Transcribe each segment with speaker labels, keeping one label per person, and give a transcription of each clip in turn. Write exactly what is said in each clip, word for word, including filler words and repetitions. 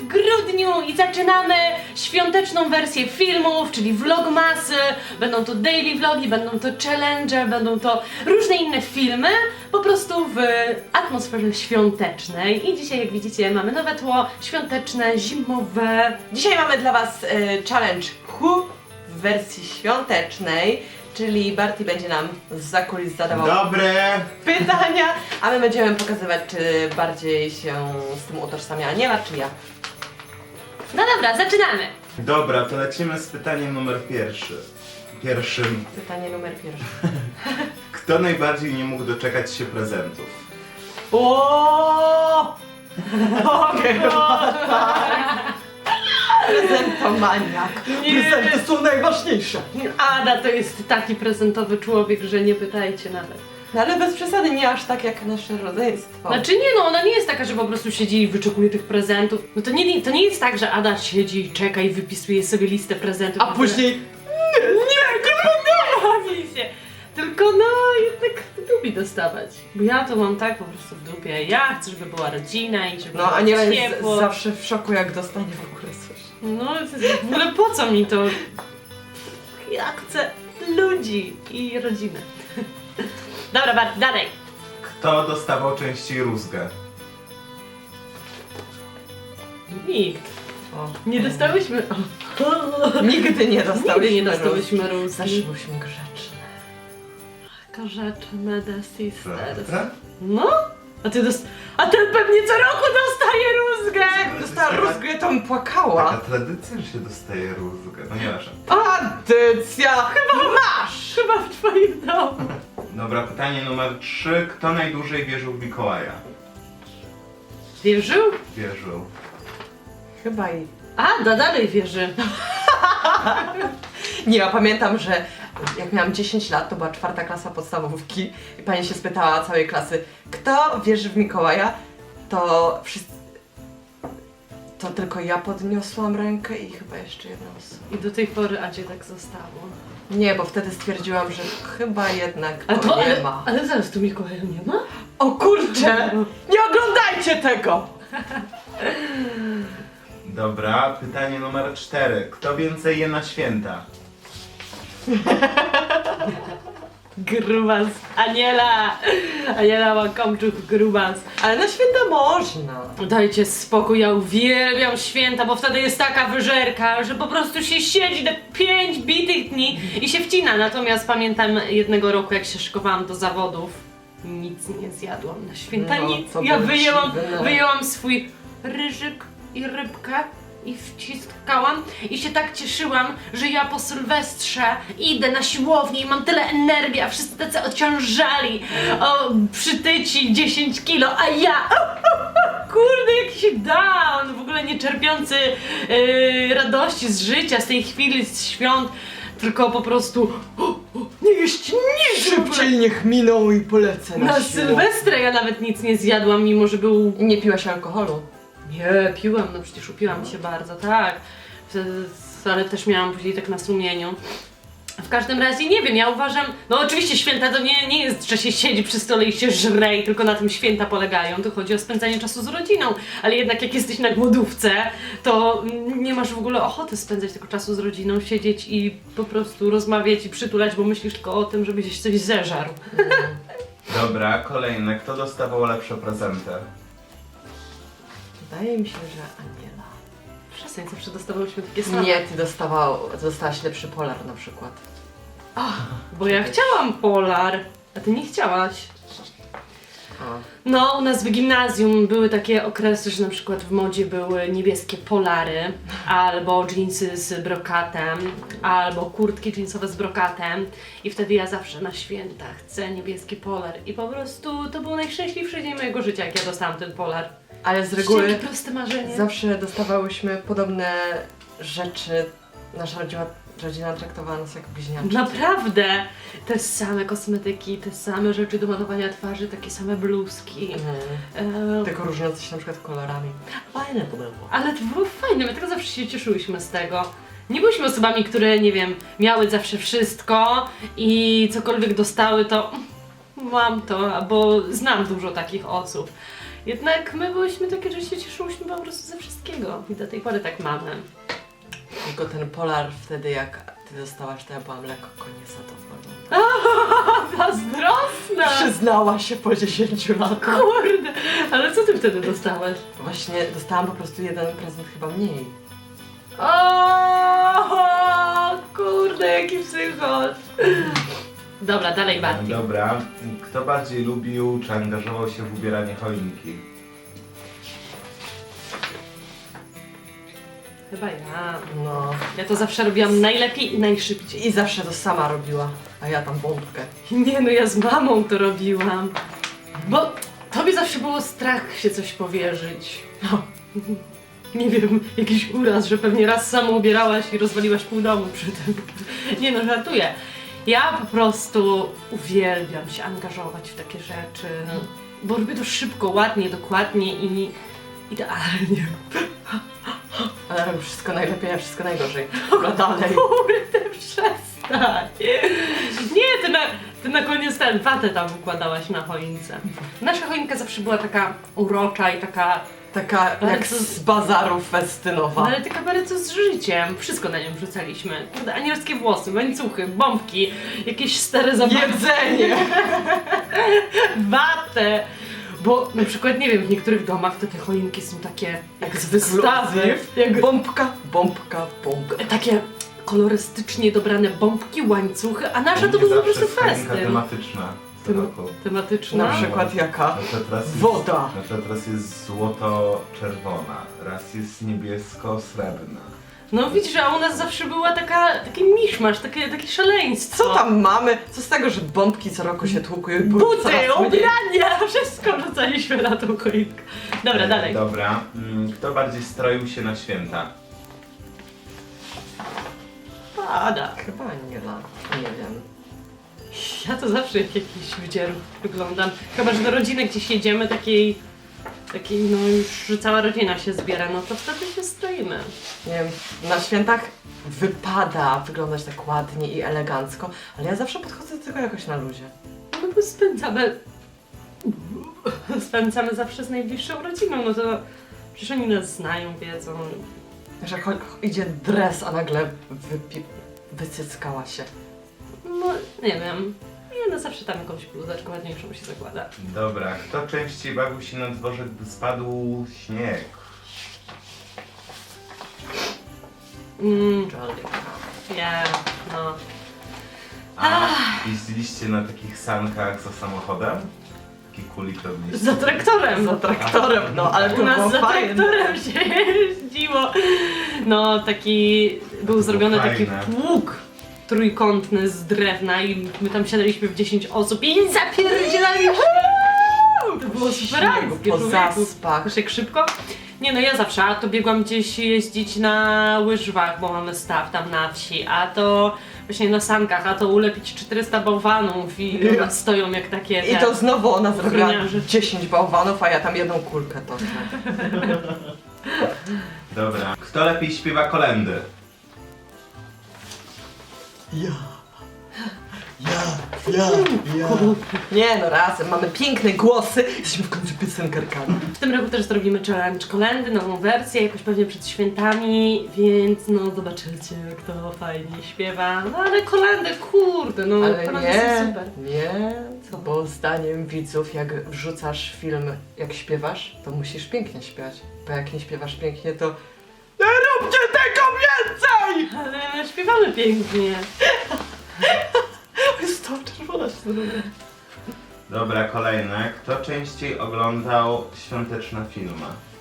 Speaker 1: w grudniu i zaczynamy świąteczną wersję filmów, czyli vlogmasy, będą to daily vlogi, będą to challenge, będą to różne inne filmy, po prostu w atmosferze świątecznej. I dzisiaj, jak widzicie, mamy nowe tło świąteczne, zimowe.
Speaker 2: Dzisiaj mamy dla Was y, challenge Who w wersji świątecznej, czyli Barty będzie nam zza kulis zadawał
Speaker 3: Dobre!
Speaker 2: pytania, a my będziemy pokazywać, czy bardziej się z tym utożsamia Aniela, czy ja.
Speaker 1: No dobra, zaczynamy!
Speaker 3: Dobra, to lecimy z pytaniem numer pierwszy. Pierwszym.
Speaker 2: Pytanie numer pierwsze.
Speaker 3: Kto najbardziej nie mógł doczekać się prezentów?
Speaker 2: O! Prezentomaniak. Prezenty są najważniejsze.
Speaker 1: Ada to jest taki prezentowy człowiek, że nie pytajcie nawet.
Speaker 2: No ale bez przesady, nie aż tak jak nasze rodzeństwo.
Speaker 1: Znaczy nie no, ona nie jest taka, że po prostu siedzi i wyczekuje tych prezentów. No to nie, to nie jest tak, że Ada siedzi i czeka i wypisuje sobie listę prezentów.
Speaker 2: A później...
Speaker 1: Nie, nie, nie bawi się. Tylko no, jednak lubi dostawać. Bo ja to mam tak po prostu w dupie. Ja chcę, żeby była rodzina i żeby
Speaker 2: No
Speaker 1: było
Speaker 2: Aniela jest
Speaker 1: ciepło.
Speaker 2: zawsze w szoku, jak dostanie w ogóle coś.
Speaker 1: No, w ogóle po co mi to? Ja chcę ludzi i rodzinę. Dobra, Bart, dalej.
Speaker 3: Kto dostawał częściej rózgę?
Speaker 1: Nikt.
Speaker 2: O.
Speaker 1: Nie dostałyśmy...
Speaker 2: Nigdy nie dostałyśmy
Speaker 1: Nigdy nie
Speaker 2: róz.
Speaker 1: dostałyśmy
Speaker 2: Zawsze
Speaker 1: rózgi.
Speaker 2: byliśmy grzeczne.
Speaker 1: Grzeczne the sisters.
Speaker 3: Prawda?
Speaker 1: No? A ty dost... A ten pewnie co roku dostaje rózgę!
Speaker 2: Jak dostała rózgę, to bym
Speaker 3: Taka
Speaker 2: płakała.
Speaker 3: tradycja, że się dostaje rózgę. No nieważne.
Speaker 2: Tradycja! Chyba masz!
Speaker 1: Chyba w twoim domu.
Speaker 3: Dobra, pytanie numer trzy. Kto najdłużej wierzył w Mikołaja?
Speaker 1: Wierzył?
Speaker 3: Wierzył.
Speaker 2: Chyba i...
Speaker 1: Ada dalej wierzy.
Speaker 2: Nie, ja pamiętam, że jak miałam dziesięć lat, to była czwarta klasa podstawówki i pani się spytała całej klasy, kto wierzy w Mikołaja, to wszyscy... To tylko ja podniosłam rękę i chyba jeszcze jedna osoba.
Speaker 1: I do tej pory Adzie tak zostało.
Speaker 2: Nie, bo wtedy stwierdziłam, że chyba jednak
Speaker 1: Ale
Speaker 2: to
Speaker 1: to,
Speaker 2: nie
Speaker 1: ale,
Speaker 2: ma.
Speaker 1: ale zaraz tu Mikołaja nie ma?
Speaker 2: O kurczę! Nie oglądajcie tego!
Speaker 3: Dobra, pytanie numer cztery. Kto więcej je na święta?
Speaker 1: Grubas. Aniela! Aniela Łakomczuk, grubas.
Speaker 2: Ale na święta można.
Speaker 1: Dajcie spokój, ja uwielbiam święta, bo wtedy jest taka wyżerka, że po prostu się siedzi te pięć bitych dni i się wcina. Natomiast pamiętam jednego roku, jak się szykowałam do zawodów, nic nie zjadłam na święta,
Speaker 2: No,
Speaker 1: nic.
Speaker 2: to
Speaker 1: Ja
Speaker 2: było
Speaker 1: wyjęłam,
Speaker 2: dziwne.
Speaker 1: wyjęłam swój ryżyk i rybkę i wciskałam i się tak cieszyłam, że ja po Sylwestrze idę na siłownię i mam tyle energii, a wszyscy tacy ociążali, o, przytyci dziesięć kilo, a ja kurde, jakiś down, w ogóle nie czerpiący yy, radości z życia, z tej chwili, z świąt, tylko po prostu o, o, nie jeść nic w ogóle.
Speaker 2: Szybciej niech miną i polecę na,
Speaker 1: Na
Speaker 2: siłę.
Speaker 1: Sylwestra ja nawet nic nie zjadłam, mimo że był...
Speaker 2: I nie piłaś alkoholu?
Speaker 1: Nie, piłam, no przecież upiłam się bardzo, tak. W- Ale też miałam później tak na sumieniu. W każdym razie nie wiem, ja uważam, no oczywiście święta to nie, nie jest, że się siedzi przy stole i się żre i tylko na tym święta polegają, to chodzi o spędzanie czasu z rodziną, ale jednak jak jesteś na głodówce, to nie masz w ogóle ochoty spędzać tego czasu z rodziną, siedzieć i po prostu rozmawiać i przytulać, bo myślisz tylko o tym, żebyś coś zeżarł.
Speaker 3: Dobra, kolejne. Kto dostawał lepsze prezenty?
Speaker 2: Wydaje mi się, że Aniela.
Speaker 1: Przestań, zawsze dostawałyśmy takie same.
Speaker 2: Nie, ty dostawał, dostałaś lepszy polar na przykład.
Speaker 1: Bo ja chciałam polar, a ty nie chciałaś.
Speaker 2: O.
Speaker 1: No, u nas w gimnazjum były takie okresy, że na przykład w modzie były niebieskie polary, albo dżinsy z brokatem, albo kurtki dżinsowe z brokatem i wtedy ja zawsze na święta chcę niebieski polar i po prostu to był najszczęśliwszy dzień mojego życia, jak ja dostałam ten polar.
Speaker 2: Ale z reguły
Speaker 1: Jakie proste marzenie.
Speaker 2: zawsze dostawałyśmy podobne rzeczy. Nasza rodzina, rodzina traktowała nas jak bliźniaczki.
Speaker 1: Naprawdę! Te same kosmetyki, te same rzeczy do malowania twarzy, takie same bluzki.
Speaker 2: Mhm.
Speaker 1: E,
Speaker 2: Tylko różniące się na przykład kolorami. Fajne to było.
Speaker 1: Ale to było fajne, my tak zawsze się cieszyłyśmy z tego. Nie byliśmy osobami, które, nie wiem, miały zawsze wszystko i cokolwiek dostały, to mam to, bo znam dużo takich osób. Jednak my byłyśmy takie, że się cieszyłyśmy po prostu ze wszystkiego. I do tej pory tak mamy.
Speaker 2: Tylko ten polar wtedy, jak ty dostałaś, to ja byłam lekko zadowolona.
Speaker 1: Zazdrosna!
Speaker 2: Przyznała się po dziesięciu latach.
Speaker 1: Kurde, ale co ty wtedy dostałaś?
Speaker 2: Właśnie dostałam po prostu jeden prezent chyba mniej.
Speaker 1: O, kurde, jaki psychol. Dobra, dalej Barti.
Speaker 3: Dobra. Kto bardziej lubił czy angażował się w ubieranie choinki?
Speaker 1: Chyba ja.
Speaker 2: No.
Speaker 1: Ja to zawsze robiłam najlepiej i najszybciej.
Speaker 2: I zawsze to sama robiła, a ja tam bombkę.
Speaker 1: Nie no, ja z mamą to robiłam. Bo tobie zawsze było strach się coś powierzyć. No. Nie wiem, jakiś uraz, że pewnie raz samo ubierałaś i rozwaliłaś pół domu przy tym. Nie no, żartuję. Ja po prostu uwielbiam się angażować w takie rzeczy. Bo robię to szybko, ładnie, dokładnie i idealnie.
Speaker 2: Ale robię wszystko najlepiej, a wszystko najgorzej. Dobra, dalej.
Speaker 1: Kurde, przestań. Nie, ty na, ty na koniec ten watę tam układałaś na choince. Nasza choinka zawsze była taka urocza i taka,
Speaker 2: Taka jak
Speaker 1: Bardzo-
Speaker 2: z bazarów
Speaker 1: no
Speaker 2: festynowa.
Speaker 1: ale taka bardzo z życiem. Wszystko na nią wrzucaliśmy. Kurde, anielskie włosy, łańcuchy, bombki, jakieś stare zabawy.
Speaker 2: Jedzenie!
Speaker 1: Watę. Bo na przykład, nie wiem, w niektórych domach to te choinki są takie jak z wystawy. Jak
Speaker 2: Bombka, bombka, bombka.
Speaker 1: takie kolorystycznie dobrane bombki, łańcuchy, a nasza to
Speaker 3: Nie
Speaker 1: był po
Speaker 3: zawsze
Speaker 1: prostu
Speaker 3: jest choinka
Speaker 1: festyn.
Speaker 3: tematyczna co
Speaker 1: Tem-
Speaker 3: roku.
Speaker 1: Tematyczna.
Speaker 2: Na przykład jaka?
Speaker 3: Na przykład raz jest,
Speaker 2: Woda.
Speaker 3: Na przykład raz jest złoto-czerwona, raz jest niebiesko-srebrna.
Speaker 1: No widzisz, a u nas zawsze była taka, taki miszmasz, takie, takie szaleństwo.
Speaker 2: Co tam mamy? Co z tego, że bombki co roku się tłukują i były
Speaker 1: Buty,
Speaker 2: coraz mniej?
Speaker 1: ubrania, wszystko rzucaliśmy na tą choinkę. Dobra,
Speaker 3: E,
Speaker 1: dalej.
Speaker 3: Dobra. Mm, Kto bardziej stroił się na święta?
Speaker 1: Pada.
Speaker 2: Chyba nie la. Nie wiem.
Speaker 1: Ja to zawsze jak jakiś wydzierów wyglądam. Chyba, że do rodziny gdzieś jedziemy, takiej, takiej no już, że cała rodzina się zbiera, no to wtedy się stroimy.
Speaker 2: Nie wiem, na świętach wypada wyglądać tak ładnie i elegancko, ale ja zawsze podchodzę do tego jakoś na luzie.
Speaker 1: No bo spędzamy... Spędzamy zawsze z najbliższą rodziną, no to przecież oni nas znają, wiedzą.
Speaker 2: Że cho- idzie dres, a nagle wypi- wycyckała się.
Speaker 1: No, nie wiem. Nie no, zawsze tam jakąś bluzeczkę ładniejszą się zakłada.
Speaker 3: Dobra. Kto częściej bawił się na dworze, gdy spadł śnieg?
Speaker 1: Mm,
Speaker 2: Jolly.
Speaker 1: ja, no.
Speaker 3: A jeździliście na takich sankach za samochodem? Taki kulik robiliście?
Speaker 1: Za traktorem!
Speaker 2: Za traktorem, no ale to
Speaker 1: U nas
Speaker 2: było
Speaker 1: za
Speaker 2: fajne.
Speaker 1: traktorem się jeździło. No, taki był
Speaker 3: było
Speaker 1: zrobiony taki
Speaker 3: fajne.
Speaker 1: pług trójkątny z drewna i my tam siadaliśmy w dziesięć osób i zapierdzielaliśmy. To było super akcje,
Speaker 2: Po
Speaker 1: człowieku.
Speaker 2: zaspach.
Speaker 1: Wiesz jak szybko? Nie no, ja zawsze, a to biegłam gdzieś jeździć na łyżwach, bo mamy staw tam na wsi, a to właśnie na sankach, a to ulepić czterysta bałwanów i
Speaker 2: Ja.
Speaker 1: one stoją jak takie...
Speaker 2: I
Speaker 1: te-
Speaker 2: to znowu ona zrobiła
Speaker 1: ochroniarze.
Speaker 2: dziesięć bałwanów, a ja tam jedną kulkę toczę.
Speaker 3: Dobra. Kto lepiej śpiewa kolendy?
Speaker 2: Ja. Ja, ja, ja. Nie no, razem mamy piękne głosy, jesteśmy w końcu piosenkarkami.
Speaker 1: W tym roku też zrobimy challenge kolendy, nową wersję, jakoś pewnie przed świętami, więc no zobaczycie, kto fajnie śpiewa. No ale kolendy, kurde, no
Speaker 2: Ale
Speaker 1: kolendy
Speaker 2: nie,
Speaker 1: są super.
Speaker 2: nie, bo zdaniem widzów, jak wrzucasz film, jak śpiewasz, to musisz pięknie śpiewać. Bo jak nie śpiewasz pięknie, to nie róbcie tego więcej!
Speaker 1: Ale my śpiewamy pięknie.
Speaker 2: Jest to czerwona się zrobiła.
Speaker 3: Dobra, kolejne. Kto częściej oglądał świąteczne filmy?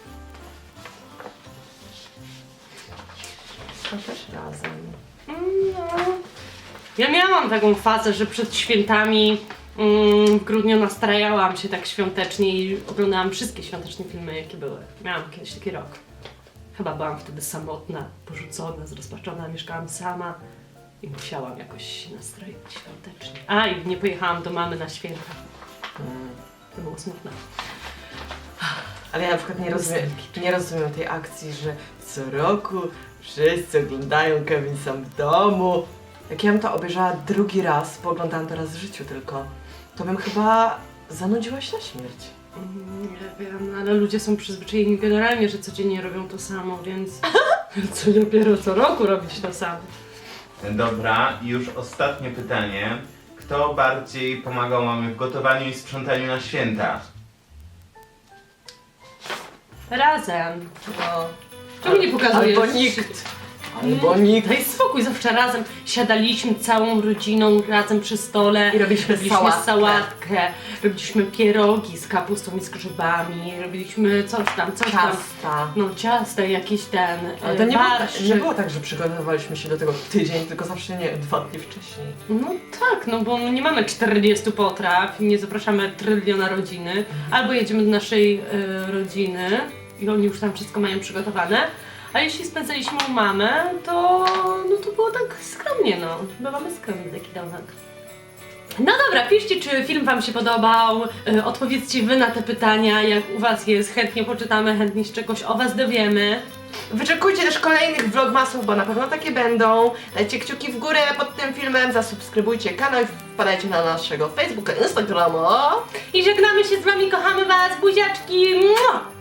Speaker 2: To też razem.
Speaker 1: No. Ja miałam taką fazę, że przed świętami mm, w grudniu nastrajałam się tak świątecznie i oglądałam wszystkie świąteczne filmy, jakie były. Miałam kiedyś taki rok. Chyba byłam wtedy samotna, porzucona, zrozpaczona, mieszkałam sama i musiałam jakoś się nastroić świątecznie. A, i nie pojechałam do mamy na święta.
Speaker 2: Mm.
Speaker 1: To było smutne.
Speaker 2: Ale ja na przykład nie rozumiem, nie rozumiem tej akcji, że co roku wszyscy oglądają Kevin sam w domu. Jak ja bym to obejrzała drugi raz, bo oglądałam to raz w życiu tylko, to bym chyba zanudziła się na śmierć.
Speaker 1: Nie wiem, ale ludzie są przyzwyczajeni generalnie, że codziennie robią to samo, więc co dopiero co roku robić to samo.
Speaker 3: Dobra, i już ostatnie pytanie. Kto bardziej pomagał mamie w gotowaniu i sprzątaniu na święta?
Speaker 1: Razem.
Speaker 2: No.
Speaker 1: Czemu nie pokazujesz?
Speaker 2: Albo nikt. Albo nikt.
Speaker 1: Daj spokój, zawsze razem siadaliśmy całą rodziną razem przy stole.
Speaker 2: I robiliśmy
Speaker 1: robiliśmy
Speaker 2: sałatkę.
Speaker 1: sałatkę, robiliśmy pierogi z kapustą i z grzybami, robiliśmy coś tam, coś tam.
Speaker 2: Ciasta.
Speaker 1: No ciasta, jakiś ten
Speaker 2: Ale to nie było,
Speaker 1: barszczyk.
Speaker 2: nie było tak, że przygotowywaliśmy się do tego tydzień, tylko zawsze nie, dwa dni wcześniej.
Speaker 1: No tak, no bo nie mamy czterdziestu potraw, nie zapraszamy tryliona rodziny, albo jedziemy do naszej y, rodziny i oni już tam wszystko mają przygotowane, a jeśli spędzaliśmy u mamy, to no to było tak skromnie, no. Bywamy skromnie taki domek. No dobra, piszcie, czy film wam się podobał, y, odpowiedzcie wy na te pytania, jak u was jest, chętnie poczytamy, chętnie się czegoś o was dowiemy.
Speaker 2: Wyczekujcie też kolejnych vlogmasów, bo na pewno takie będą. Dajcie kciuki w górę pod tym filmem, zasubskrybujcie kanał i wpadajcie na naszego Facebooka, Instagrama.
Speaker 1: I żegnamy się z wami, kochamy was, buziaczki! Mua!